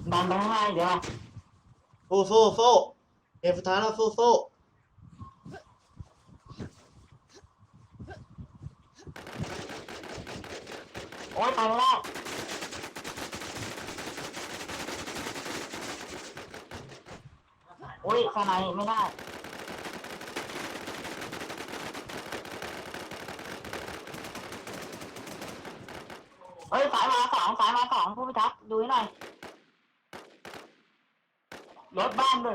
ดันไปข้างหน้าเดี๋ยวสู้เกมสุดท้ายแล้วสู้โอ๊ยไปไม่ได้โอ๊ยข้างในไม่ได้เฮ้ยสายมาสองผู้พิทักษ์ดูให้หน่อยรถบ้านหนึ่ง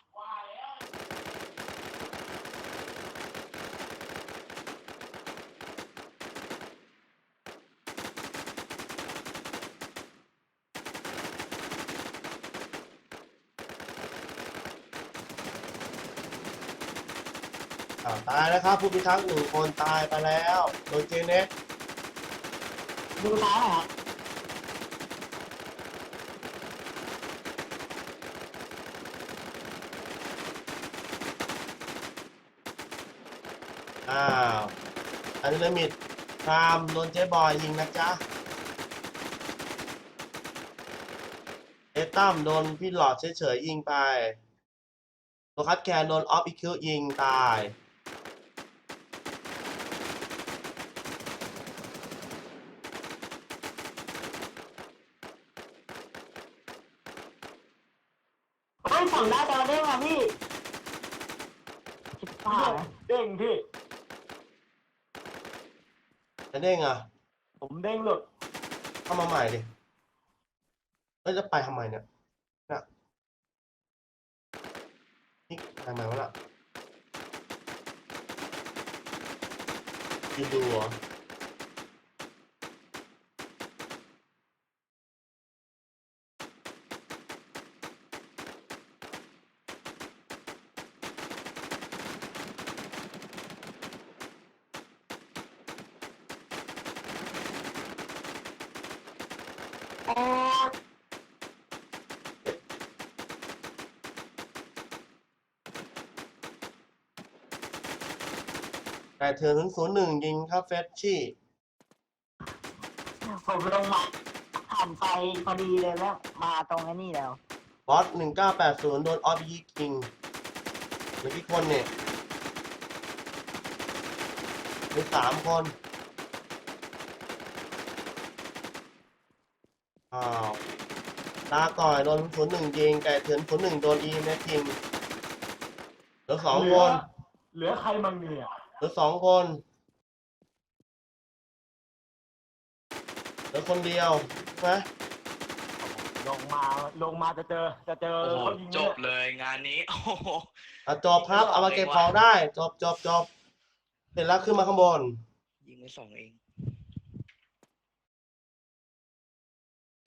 ตายแล้วครับผู้พิทักษ์1 คนตายไปแล้วโดยเจเน็ตดูซ้ายหน่อยครับอ้าวอันนี้ลิมิตพรามโดนเจ๊บอยยิงนะจ๊ะเอตั้มโดนพี่หลอดเฉยๆยิงไปโลคัสแคนโดนออฟอีคิวยิงตายเฮ้ยสั่งได้แต่ละเด้งอ่ะพี่ชิบหายเด้งพี่จะเด้งอ่ะผมเด้งหลุดเข้ามาใหม่ดิจะไปทำไมเนี่ยน่ะนี่ทำไมวะล่ะยืนดูเหรอแต่เธอ001ยิงครับเฟชชี่ผมลงมาผ่านไปพอดีเลยแล้วมาตรงไอ้นี่แล้วบอส1980โดนออฟยิงเหลือกี่คนเนี่ยมี3 คนอ้าวตาก่อยโดน01ยิงไก่เถือน01โดนEMSยิงเหลือ2 คนเหลือใครมั่งเนี่ยเหลือ2 คนเหลือคนเดียวใช่ไหมลงมาจะเจอโอ้โหเขายิงจบเลยงานนี้ โอ้โหจบครับเอามาเก็บของได้จบเสร็จแล้วขึ้นมาข้างบนยิงไป2 เอง